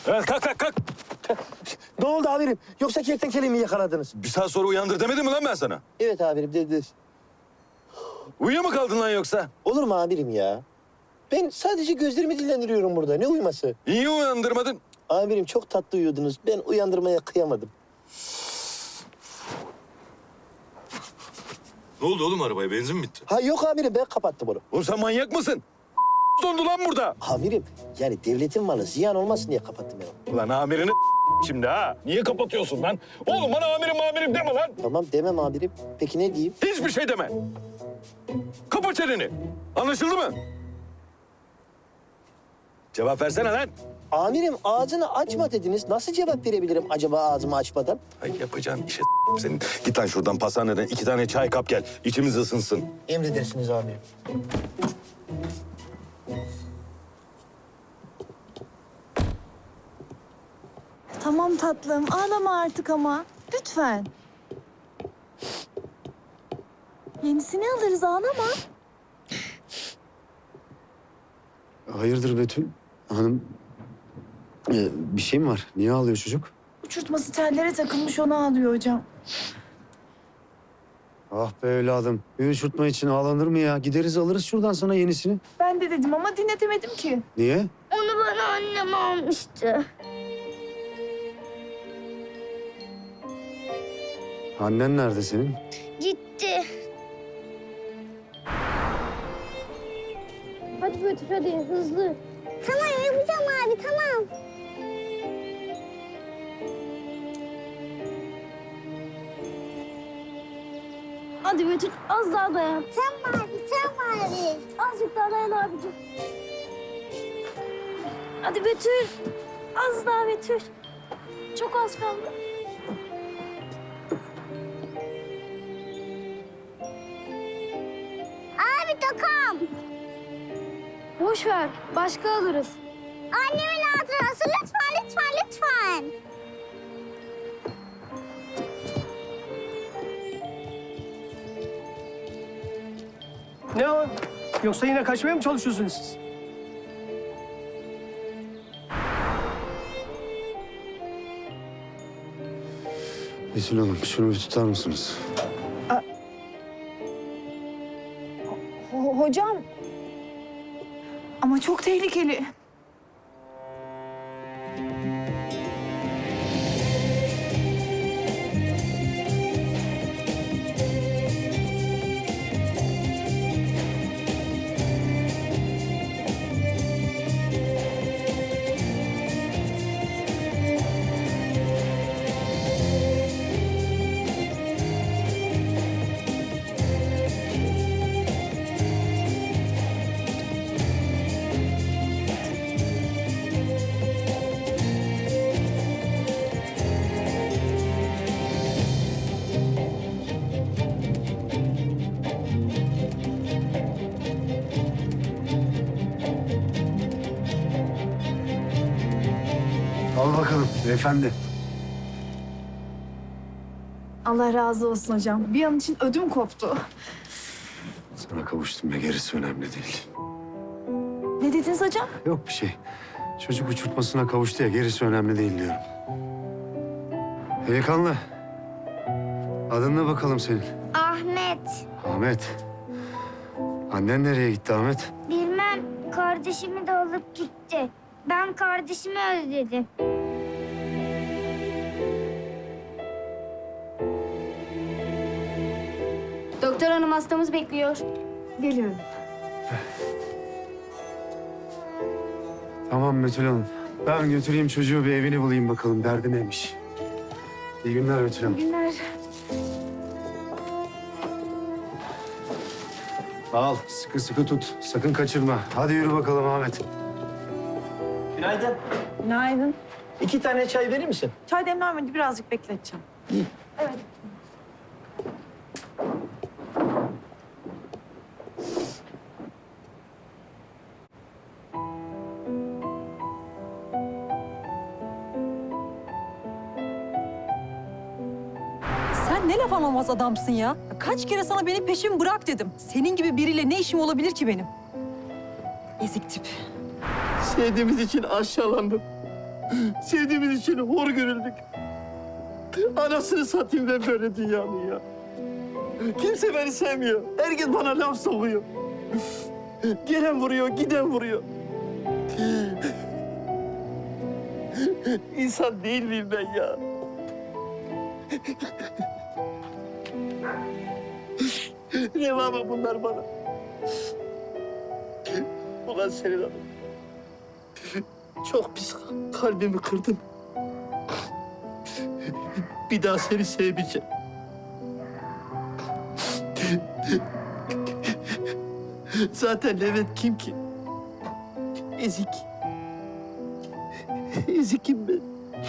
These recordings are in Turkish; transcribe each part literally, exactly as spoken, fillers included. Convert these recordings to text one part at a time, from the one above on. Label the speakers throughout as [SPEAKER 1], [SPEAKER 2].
[SPEAKER 1] Evet, kalk kalk kalk.
[SPEAKER 2] Ne oldu amirim? Yoksa kertenkeleyi mi yakaladınız?
[SPEAKER 1] Bir saat sonra uyandır demedim mi lan ben sana?
[SPEAKER 2] Evet amirim dediniz.
[SPEAKER 1] Uyuyor mu kaldın lan yoksa?
[SPEAKER 2] Olur mu amirim ya? Ben sadece gözlerimi dinlendiriyorum burada. Ne uyuması?
[SPEAKER 1] Niye uyandırmadın?
[SPEAKER 2] Amirim çok tatlı uyuyordunuz. Ben uyandırmaya kıyamadım.
[SPEAKER 1] Ne oldu oğlum arabaya? Benzin mi bitti?
[SPEAKER 2] Ha yok amirim ben kapattım onu.
[SPEAKER 1] Oğlum sen manyak mısın? Dondu lan burada.
[SPEAKER 2] Amirim yani devletin malı ziyan olmasın diye kapattım ben onu.
[SPEAKER 1] Ulan amirini şimdi ha. Niye kapatıyorsun lan? Oğlum bana amirim amirim deme lan.
[SPEAKER 2] Tamam demem amirim. Peki ne diyeyim?
[SPEAKER 1] Hiçbir şey deme. Kapa çeneni. Anlaşıldı mı? Cevap versene lan.
[SPEAKER 2] Amirim ağzını açma dediniz. Nasıl cevap verebilirim acaba ağzımı açmadan?
[SPEAKER 1] Ay yapacağın işe senin. Git lan şuradan pastaneden iki tane çay kap gel. İçimiz ısınsın.
[SPEAKER 2] Emredersiniz amirim.
[SPEAKER 3] Tamam tatlım, ağlama artık ama. Lütfen. Yenisini alırız, ağlama.
[SPEAKER 4] Hayırdır Betül? Hanım, ee, bir şey mi var? Niye ağlıyor çocuk?
[SPEAKER 3] Uçurtması tellere takılmış, onu ağlıyor hocam.
[SPEAKER 4] Ah be evladım. Bir uçurtma için ağlanır mı ya? Gideriz alırız şuradan sana yenisini.
[SPEAKER 3] Ben de dedim ama dinletemedim ki.
[SPEAKER 4] Niye?
[SPEAKER 5] Onu bana annem almıştı.
[SPEAKER 4] Annen nerede senin?
[SPEAKER 5] Gitti. Hadi Betül hadi hızlı. Tamam yapacağım abi tamam. Hadi Betül az daha dayan. Tamam abi tamam abi. Azıcık daha dayan abicim. Hadi Betül. Az daha Betül. Çok az kaldı. Abi takam. Boş ver. Başka alırız. Annemin hatırası lütfen lütfen lütfen.
[SPEAKER 6] Ne o? Yoksa yine kaçmaya mı çalışıyorsunuz siz?
[SPEAKER 4] Betül Hanım şunu bir tutar mısınız?
[SPEAKER 3] Ho- hocam. Ama çok tehlikeli.
[SPEAKER 4] Al bakalım beyefendi.
[SPEAKER 3] Allah razı olsun hocam. Bir an için ödüm koptu.
[SPEAKER 4] Sana kavuştum ya gerisi önemli değil.
[SPEAKER 3] Ne dediniz hocam?
[SPEAKER 4] Yok bir şey. Çocuk uçurtmasına kavuştu ya gerisi önemli değil diyorum. Delikanlı. Adın ne bakalım senin?
[SPEAKER 5] Ahmet.
[SPEAKER 4] Ahmet. Annen nereye gitti Ahmet?
[SPEAKER 5] Bilmem kardeşimi de alıp gitti. Ben kardeşimi özledim. Doktor hanım hastamız bekliyor.
[SPEAKER 3] Geliyorum.
[SPEAKER 4] Tamam Betül Hanım. Ben götüreyim çocuğu bir evini bulayım bakalım. Derdi neymiş? İyi günler Betül Hanım.
[SPEAKER 3] Günler.
[SPEAKER 4] Al sıkı sıkı tut. Sakın kaçırma. Hadi yürü bakalım Ahmet.
[SPEAKER 2] Günaydın.
[SPEAKER 3] Günaydın.
[SPEAKER 2] İki tane çay verir misin?
[SPEAKER 3] Çay demlenmedi, birazcık bekleteceğim. Evet.
[SPEAKER 7] Sen ne laf anlamaz adamsın ya. Kaç kere sana benim peşimi bırak dedim. Senin gibi biriyle ne işim olabilir ki benim? Ezik tip.
[SPEAKER 2] Sevdiğimiz için aşağılandım. Sevdiğimiz için hor görüldük. Anasını satayım ben böyle dünyanın ya. Kimse beni sevmiyor. Herkes bana laf sokuyor. Gelen vuruyor, giden vuruyor. İnsan değil miyim ben ya? Reva mı bunlar bana? Ulan senin hanım. Çok pis kalbimi kırdın. Bir daha seni sevmeyeceğim. Zaten Levent kim ki? Ezik. Ezikim ben.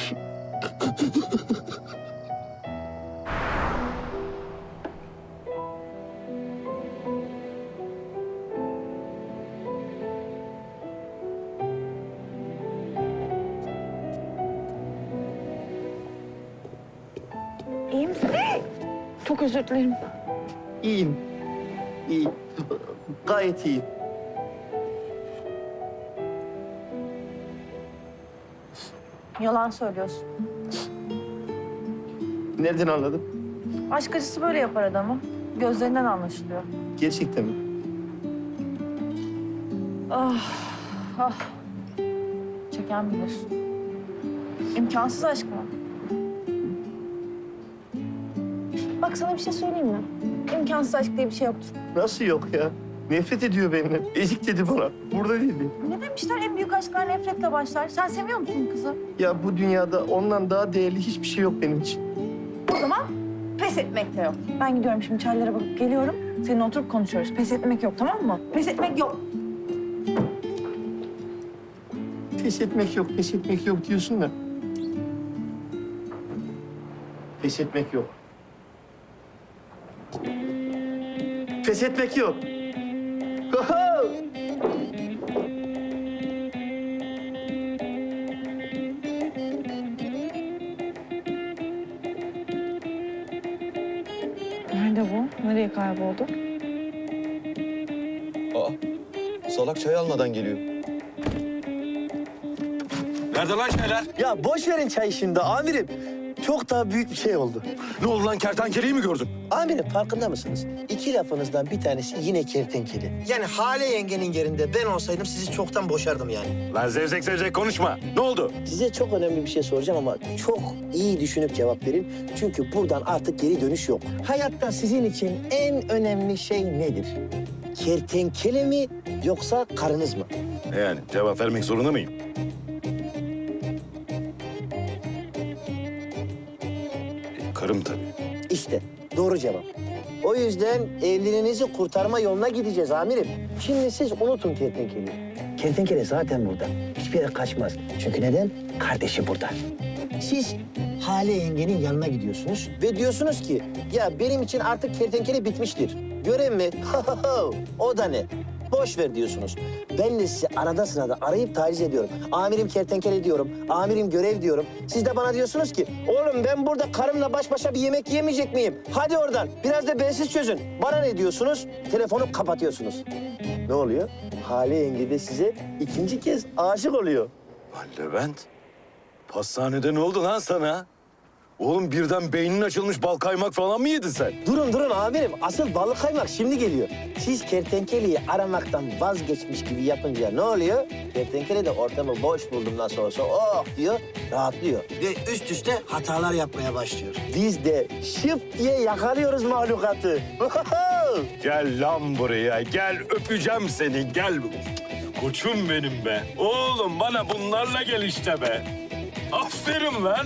[SPEAKER 8] İyi misin? Çok özür dilerim.
[SPEAKER 2] İyiyim. İyiyim. Gayet iyiyim.
[SPEAKER 8] Yalan söylüyorsun.
[SPEAKER 2] Nereden anladın?
[SPEAKER 8] Aşk acısı böyle yapar adamı. Gözlerinden anlaşılıyor.
[SPEAKER 2] Gerçekten mi?
[SPEAKER 8] Ah, ah. Çeken bilir. İmkansız aşk mı? Bak sana bir şey söyleyeyim mi? İmkansız aşk diye bir şey yoktur.
[SPEAKER 2] Nasıl yok ya? Nefret ediyor benimle. Ezik dedi bana. Burada değildi.
[SPEAKER 8] Ne demişler en büyük aşklar nefretle başlar. Sen seviyor musun kızı?
[SPEAKER 2] Ya bu dünyada ondan daha değerli hiçbir şey yok benim için.
[SPEAKER 8] O zaman pes etmek de yok. Ben gidiyorum şimdi çaylara bakıp geliyorum. Seninle oturup konuşuyoruz. Pes etmek yok, tamam mı? Pes etmek yok.
[SPEAKER 2] Pes etmek yok, pes etmek yok diyorsun da. Pes etmek yok. Pes etmek yok. Oho!
[SPEAKER 8] Nerede bu? Nereye kayboldu?
[SPEAKER 1] Aa, salak çay almadan geliyor. Nerede lan şeyler?
[SPEAKER 2] Ya boş verin çayı şimdi amirim. Çok daha büyük bir şey oldu.
[SPEAKER 1] Ne oldu lan, kertenkeleyi mi gördün?
[SPEAKER 2] Amirim farkında mısınız? İki lafınızdan bir tanesi yine kertenkele. Yani Hale yengenin yerinde ben olsaydım sizi çoktan boşardım yani.
[SPEAKER 1] Lan zevzek zevzek konuşma. Ne oldu?
[SPEAKER 2] Size çok önemli bir şey soracağım ama çok iyi düşünüp cevap verin. Çünkü buradan artık geri dönüş yok. Hayatta sizin için en önemli şey nedir? Kertenkele mi yoksa karınız mı?
[SPEAKER 1] Yani cevap vermek zorunda mıyım? E, karım tabii.
[SPEAKER 2] İşte doğru cevap. O yüzden evliliğinizi kurtarma yoluna gideceğiz amirim. Şimdi siz unutun kertenkeleyi. Kertenkele zaten burada. Hiçbir yere kaçmaz. Çünkü neden? Kardeşi burada. Siz Hale yengenin yanına gidiyorsunuz ve diyorsunuz ki ya benim için artık kertenkele bitmiştir. Görev mi? O da ne? Boş ver diyorsunuz. Ben de sizi arada sırada arayıp taciz ediyorum. Amirim kertenkele diyorum, amirim görev diyorum. Siz de bana diyorsunuz ki, oğlum ben burada karımla baş başa bir yemek yemeyecek miyim? Hadi oradan, biraz da bensiz çözün. Bana ne diyorsunuz? Telefonu kapatıyorsunuz. Ne oluyor? Hale yenge de size ikinci kez aşık oluyor.
[SPEAKER 1] Lan Levent, pastanede ne oldu lan sana? Oğlum birden beynin açılmış, bal kaymak falan mı yedin sen?
[SPEAKER 2] Durun durun amirim, asıl balık kaymak şimdi geliyor. Siz kertenkeleyi aramaktan vazgeçmiş gibi yapınca ne oluyor? Kertenkele de ortamı boş buldum nasıl olsa oh diyor, rahatlıyor. Ve üst üste hatalar yapmaya başlıyor. Biz de şıp diye yakalıyoruz mahlukatı.
[SPEAKER 1] Gel lan buraya, gel öpeceğim seni, gel. Koçum benim be. Oğlum bana bunlarla gel işte be. Aferin lan.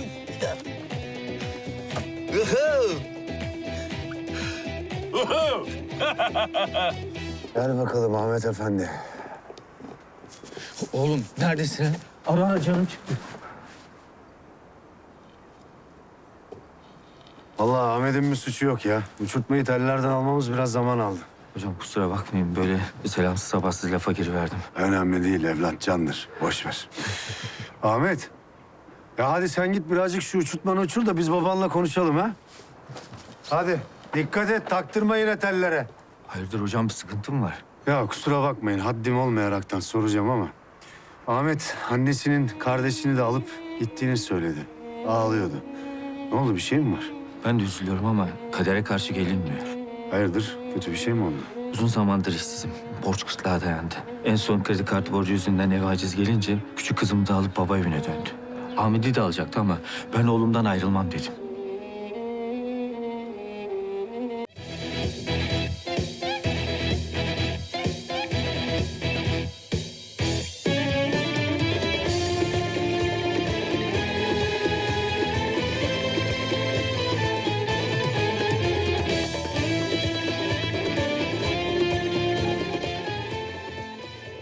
[SPEAKER 4] Gel bakalım Ahmet Efendi.
[SPEAKER 9] Oğlum neredesin?
[SPEAKER 6] Ara canım çıktı.
[SPEAKER 4] Vallahi Ahmet'in bir suçu yok ya. Uçurtmayı tellerden almamız biraz zaman aldı.
[SPEAKER 9] Hocam kusura bakmayın böyle selamsız sabahsız lafa giriverdim.
[SPEAKER 4] Önemli değil evlat, candır. Boş ver. Ahmet. Ya hadi sen git birazcık şu uçurtmanı uçur da biz babanla konuşalım ha. Hadi dikkat et, taktırma yine tellere.
[SPEAKER 9] Hayırdır hocam bir sıkıntı mı var?
[SPEAKER 4] Ya kusura bakmayın haddim olmayaraktan soracağım ama... Ahmet annesinin kardeşini de alıp Gittiğini söyledi. Ağlıyordu. Ne oldu, bir şey mi var?
[SPEAKER 9] Ben de üzülüyorum ama kadere karşı gelinmiyor.
[SPEAKER 4] Hayırdır, kötü bir şey mi oldu?
[SPEAKER 9] Uzun zamandır işsizim. Borç kıtlığa dayandı. En son kredi kartı borcu yüzünden eve aciz gelince küçük kızımı da alıp baba evine döndü. Ahmet'i de alacaktı ama ben oğlumdan ayrılmam dedim.